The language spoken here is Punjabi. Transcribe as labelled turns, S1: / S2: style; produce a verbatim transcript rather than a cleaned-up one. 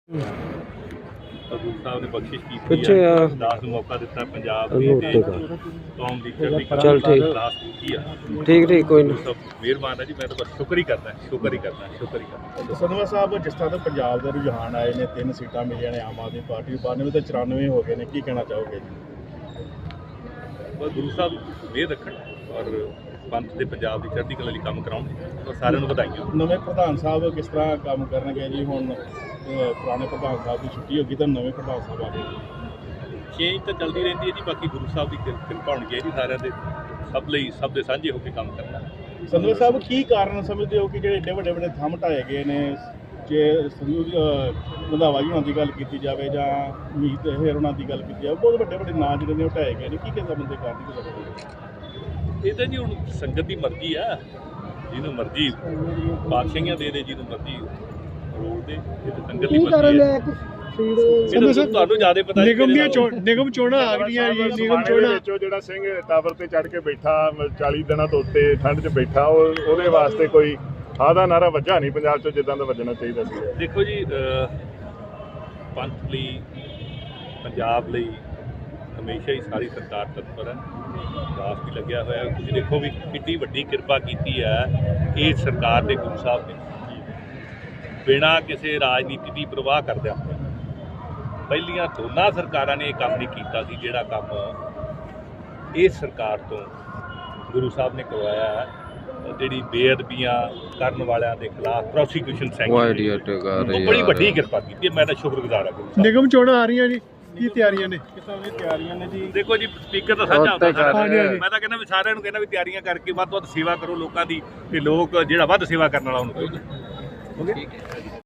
S1: ਗੁਰੂ ਸਾਹਿਬ ਨੇ ਬਖਸ਼ਿਸ਼
S2: ਪਿੱਛੇ
S1: ਕੀਤੀ
S2: ਆ।
S1: ਹੈ, ਦਾਸ ਨੂੰ ਮੌਕਾ ਦਿੱਤਾ ਪੰਜਾਬ ਦੀ
S2: ਅਗੋ
S1: ਤੇ
S2: ਉੱਤੇ ਕਰ।
S1: ਕੌਮ ਦੀ ਚੜ੍ਹਦੀ ਕਲਾ
S2: ਚੱਲ ਠੀਕ।
S1: ਦਾਸ ਕੀਤੀ ਆ।
S2: ਠੀਕ ਠੀਕ ਕੋਈ
S1: ਗੁਰੂ
S2: ਨਹੀਂ।
S1: ਸਾਹਿਬ ਮਿਹਰਬਾਨ ਹੈ ਜੀ, ਮੈਂ ਤਾਂ ਬਸ ਸ਼ੁਕਰ ਹੀ ਕਰਦਾ ਸ਼ੁਕਰ ਹੀ ਕਰਦਾ ਸ਼ੁਕਰ ਹੀ ਕਰਦਾ
S3: ਸੰਧਵਾ ਸਾਹਿਬ, ਜਿਸ ਤਰ੍ਹਾਂ ਦੇ ਪੰਜਾਬ ਦੇ ਰੁਝਾਨ ਆਏ ਨੇ, ਤਿੰਨ ਸੀਟਾਂ ਮਿਲੀਆਂ ਨੇ ਆਮ ਆਦਮੀ ਪਾਰਟੀ ਨੂੰ, ਬਾਨਵੇਂ ਤੇ ਚੁਰਾਨਵੇਂ ਹੋ ਗਏ ਨੇ, ਕੀ ਕਹਿਣਾ ਚਾਹੋਗੇ ਜੀ?
S1: ਬਸ ਗੁਰੂ ਸਾਹਿਬ ਮਿਹਰ ਰੱਖਣ ਔਰ ਪੰਥ ਦੇ ਪੰਜਾਬ ਦੀ ਚੜ੍ਹਦੀ ਕਲਾ ਲਈ ਕੰਮ ਕਰਾਉਣ ਔਰ ਸਾਰਿਆਂ ਨੂੰ ਵਧਾਈਆਂ।
S3: ਨਵੇਂ ਪ੍ਰਧਾਨ ਸਾਹਿਬ ਕਿਸ ਤਰ੍ਹਾਂ ਕੰਮ ਕਰਨਗੇ ਜੀ? ਹੁਣ ਅਹ, ਪੁਰਾਣੇ ਪ੍ਰਧਾਨ ਸਾਹਿਬ ਦੀ ਛੁੱਟੀ ਹੋ ਗਈ ਤਾਂ ਨਵੇਂ ਪ੍ਰਧਾਨ ਸਾਹਿਬ ਆ ਗਏ।
S1: ਚੇਂਜ ਤਾਂ ਚੱਲਦੀ ਰਹਿੰਦੀ ਹੈ ਜੀ, ਬਾਕੀ ਗੁਰੂ ਸਾਹਿਬ ਦੀ ਕਿਰ- ਕਿਰਪਾ ਹੋਣੀ ਚਾਹੀਦੀ ਸਾਰਿਆਂ ਦੇ, ਸਭ ਲਈ ਸਭ ਦੇ ਸਾਂਝੇ ਹੋ ਕੇ ਕੰਮ ਕਰਨਾ।
S3: ਸੰਧਵਾ ਸਾਹਿਬ, ਕੀ ਕਾਰਨ ਸਮਝਦੇ ਹੋ ਕਿ ਜਿਹੜੇ ਏਡੇ ਵੱਡੇ ਵੱਡੇ ਥੰਮ ਢਾਏ ਗਏ ਨੇ? ਜੇ ਸੰਧੂ ਅਹ, ਰੰਧਾਵਾ ਜੀ ਉਹਨਾਂ ਦੀ ਗੱਲ ਕੀਤੀ ਜਾਵੇ ਜਾਂ ਮੀਤ ਹੇਰ ਉਹਨਾਂ ਦੀ ਗੱਲ ਕੀਤੀ ਜਾਵੇ, ਬਹੁਤ ਵੱਡੇ ਵੱਡੇ ਨਾਂ ਜਿਹੜੇ ਨੇ ਉਹ ਢਾਏ ਗਏ ਨੇ, ਕੀ ਕਹਿੰਦਾ ਬੰਦੇ ਕਾਰਨ ਕੀ ਲੱਗਦਾ?
S1: ਇਹ ਤਾਂ ਜੀ ਹੁਣ ਸੰਗਤ ਦੀ ਮਰਜ਼ੀ ਆ, ਜਿਹਨੂੰ ਮਰਜ਼ੀ ਬਾਦਸ਼ਾਹੀਆਂ ਦੇ ਦੇ, ਜਿਹਨੂੰ ਮਰਜ਼ੀ ਰੋਲ ਦੇ, ਇਹ ਤਾਂ ਸੰਗਤ ਦੀ ਮਰਜ਼ੀ ਹੈ। ਇਹ ਤਾਂ ਤੁਹਾਨੂੰ ਜ਼ਿਆਦਾ ਪਤਾ ਜੀ,
S4: ਨਿਗਮ ਦੀਆਂ ਚੋਣ ਨਿਗਮ ਚੋਣਾਂ ਆ ਗਈਆਂ ਜੀ। ਨਿਗਮ ਚੋਣਾਂ
S5: ਵਿੱਚੋਂ ਜਿਹੜਾ ਸਿੰਘ ਟਾਵਰ ਤੇ ਚੜ ਕੇ ਬੈਠਾ ਚਾਲੀ ਦਿਨਾਂ ਤੋਂ ਉੱਤੇ ਠੰਡ 'ਚ ਬੈਠਾ, ਉਹ ਉਹਦੇ ਵਾਸਤੇ ਕੋਈ ਆਦਾ ਨਾਰਾ ਵੱਜਾ ਨਹੀਂ ਪੰਜਾਬ 'ਚ ਜਿੱਦਾਂ ਦਾ ਵੱਜਣਾ ਚਾਹੀਦਾ ਸੀ।
S1: ਦੇਖੋ ਜੀ, ਅਹ, ਪੰਥ ਲਈ, ਪੰਜਾਬ ਲਈ ਹਮੇਸ਼ਾ ਹੀ ਸਾਰੀ ਸਰਕਾਰ ਤਤਪਰ ਹੈ, ਦਾਸ ਵੀ ਲੱਗਿਆ ਹੋਇਆ। ਤੁਸੀਂ ਦੇਖੋ ਵੀ ਕਿੰਨੀ ਵੱਡੀ ਕਿਰਪਾ ਕੀਤੀ ਹੈ ਇਹ ਸਰਕਾਰ ਦੇ ਗੁਰੂ ਸਾਹਿਬ ਨੇ, ਬਿਨਾਂ ਕਿਸੇ ਰਾਜਨੀਤੀ ਦੀ ਪ੍ਰਵਾਹ ਕਰਦਿਆਂ। ਪਹਿਲੀਆਂ ਦੋਨਾਂ ਸਰਕਾਰਾਂ ਨੇ ਇਹ ਕੰਮ ਨਹੀਂ ਕੀਤਾ ਸੀ ਜਿਹੜਾ ਕੰਮ ਇਸ ਸਰਕਾਰ ਤੋਂ ਗੁਰੂ ਸਾਹਿਬ ਨੇ ਕਰਵਾਇਆ ਹੈ। ਜਿਹੜੀ ਬੇਅਦਬੀਆਂ ਕਰਨ ਵਾਲਿਆਂ ਦੇ ਖਿਲਾਫ ਪ੍ਰੋਸੀਕਿਊਸ਼ਨ ਸੈਂਕਸ਼ਨ, ਬੜੀ ਵੱਡੀ ਕਿਰਪਾ ਕੀਤੀ ਹੈ। ਮੈਂ ਤਾਂ ਸ਼ੁਕਰਗੁਜ਼ਾਰ ਹਾਂ ਗੁਰੂ ਸਾਹਿਬ।
S4: ਨਿਗਮ ਚੋਣਾਂ ਆ ਰਹੀਆਂ ਜੀ, ਕੀ ਤਿਆਰੀਆਂ ਨੇ?
S3: ਕਿਸਾਂ ਦੀ ਤਿਆਰੀਆਂ ਨੇ ਜੀ?
S1: ਦੇਖੋ ਜੀ, ਸਪੀਕਰ ਤਾਂ ਸਾਂਝਾ ਹੁੰਦਾ ਸਾਰਿਆਂ
S4: ਹਾਂਜੀ,
S1: ਦਾ।
S4: ਹਾਂਜੀ।
S1: ਮੈਂ ਤਾਂ ਕਹਿੰਦਾ ਵੀ ਸਾਰਿਆਂ ਨੂੰ ਕਹਿੰਦਾ ਵੀ ਤਿਆਰੀਆਂ ਕਰਕੇ ਵੱਧ ਤੋਂ ਵੱਧ ਸੇਵਾ ਕਰੋ ਲੋਕਾਂ ਦੀ, ਤੇ ਲੋਕ ਜਿਹੜਾ ਵੱਧ ਸੇਵਾ ਕਰਨ ਵਾਲਾ ਉਹਨੂੰ ਕਰੋ।